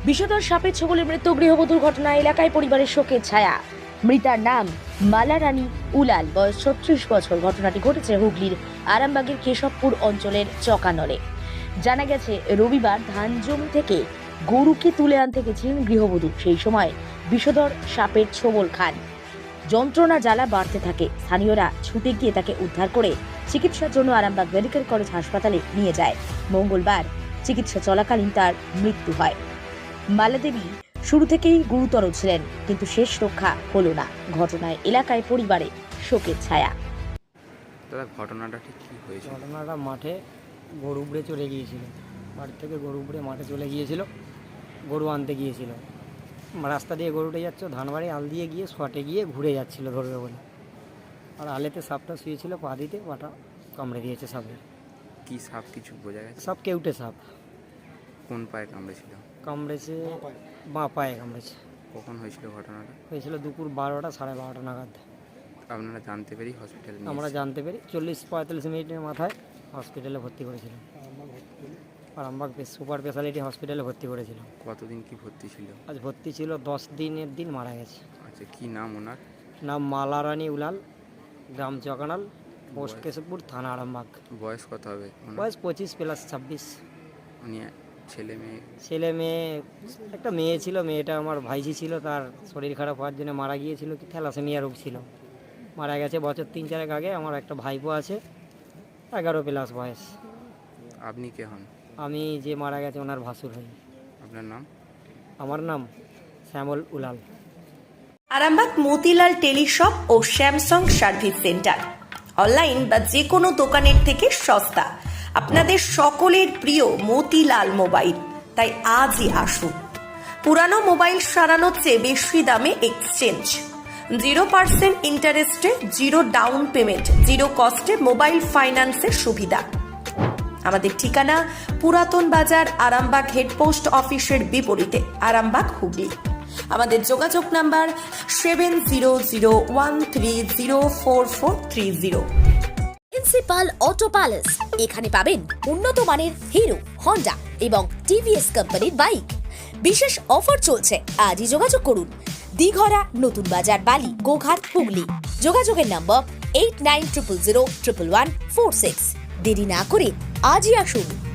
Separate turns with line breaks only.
বিষধর সাপের ছোবলে মৃত্যু গৃহবধূর ঘটনা এলাকায় পরিবারের শোকের ছায়া। মৃতার নাম মালা রানী উলাল, বয়স 36 বছর। ঘটনাটি ঘটেছে হুগলির আরামবাগের কেশবপুর অঞ্চলের চকানলে। জানা গেছে, রবিবার ধান জমি থেকে গরুকে তুলে আনতে গেছিলেন গৃহবধূ। সেই সময় বিষধর সাপের ছোবল খান। যন্ত্রণা জ্বালা বাড়তে থাকে। স্থানীয়রা ছুটে গিয়ে তাকে উদ্ধার করে চিকিৎসার জন্য আরামবাগ মেডিকেল কলেজ হাসপাতালে নিয়ে যায়। মঙ্গলবার চিকিৎসা চলাকালীন তার মৃত্যু হয়। মালা দেবী শুরু থেকেই গুরুতর ছিলেন, কিন্তু শেষ রক্ষা হলো না। ঘটনায় এলাকায় পরিবারে শোকের ছায়া।
দাদা, ঘটনাটা ঠিক কী হয়েছে?
ঘটনাটা মাঠে গরু উপড়ে চলে গিয়েছিল। বাড়ি থেকে গরু উপড়ে মাঠে চলে গিয়েছিল, গরু আনতে গিয়েছিল। রাস্তা দিয়ে গরুটা যাচ্ছে, ধানবাড়ি আল দিয়ে গিয়ে শটে গিয়ে ঘুরে যাচ্ছিল ধরবে বলে, আর আলেতে সাপটা শুয়েছিল, পা দিতে পাটা কামড়ে দিয়েছে সাপে।
কি সাপ কিছু বোঝা গেছে?
সাপ কেউটে সাপ।
কোন পায়ে কামড়েছিল?
কামড়েছে বাঁ পায়ে কামড়েছে।
কখন হয়েছিল ঘটনাটা?
হয়েছিল দুপুর 12টা 12:30 নাগাদ।
আপনারা জানতে পেরেই হসপিটালে নিয়ে
আমরা জানতে পেরে 40-45 মিনিটের মাথায় হসপিটালে ভর্তি করেছিলাম। আরামবাগ সুপার স্পেশালিটি হসপিটালে ভর্তি করেছিলাম।
কতদিন কি ভর্তি ছিল?
আজ ভর্তি ছিল 10 দিনের দিন মারা গেছে।
আচ্ছা, কি নাম ওনার?
নাম মালা রানী উলাল, গ্রাম চকানাল, পোস্ট কেশবপুর, থানা আরামবাগ।
বয়স কত হবে ওনার?
বয়স 25 প্লাস 26।
উনি ছেলে মেয়ে?
ছেলে মেয়ে, একটা মেয়ে ছিল। মেয়েটা আমার ভাইঝি ছিল, তার শরীর খারাপ হওয়ার জন্য মারা গিয়েছিল। কি থ্যালাসেমিয়া রোগ ছিল, মারা গেছে বছর 3-4 আগে। আমার একটা ভাইপো আছে, 11 প্লাস বয়স।
আপনি কে হন?
আমি যে মারা গেছে ওনার ভাসুর হই।
আপনার নাম?
আমার নাম শ্যামল উলাল।
আরামবাগ মতিলাল টেলিশপ ও স্যামসাং সার্ভিস সেন্টার, অনলাইন বা যে কোনো দোকানের থেকে সস্তা। আপনাদের সকলের প্রিয় মতিলাল মোবাইল, তাই আজই আসুন। পুরানো মোবাইল সারানোর চেয়ে বেশি দামে এক্সচেঞ্জ, 0% ইন্টারেস্টে, 0 ডাউন পেমেন্ট, 0 কস্টে মোবাইল ফাইন্যান্সের সুবিধা। আমাদের ঠিকানা পুরাতন বাজার, আরামবাগ হেডপোস্ট অফিসের বিপরীতে, আরামবাগ, হুগলি। আমাদের যোগাযোগ নাম্বার 7001304430।
প্রিন্সিপাল অটো প্যালেস, এখানে পাবেন উন্নত মানের হিরো, হন্ডা এবং টিভিএস কোম্পানির বাইক। বিশেষ অফার চলছে, আজই যোগাযোগ করুন। দিঘরা, নতুন বাজার, বালি, গোঘাট, হুগলি। যোগাযোগের নম্বর 8900011146। দেরি না করে আজই আসুন।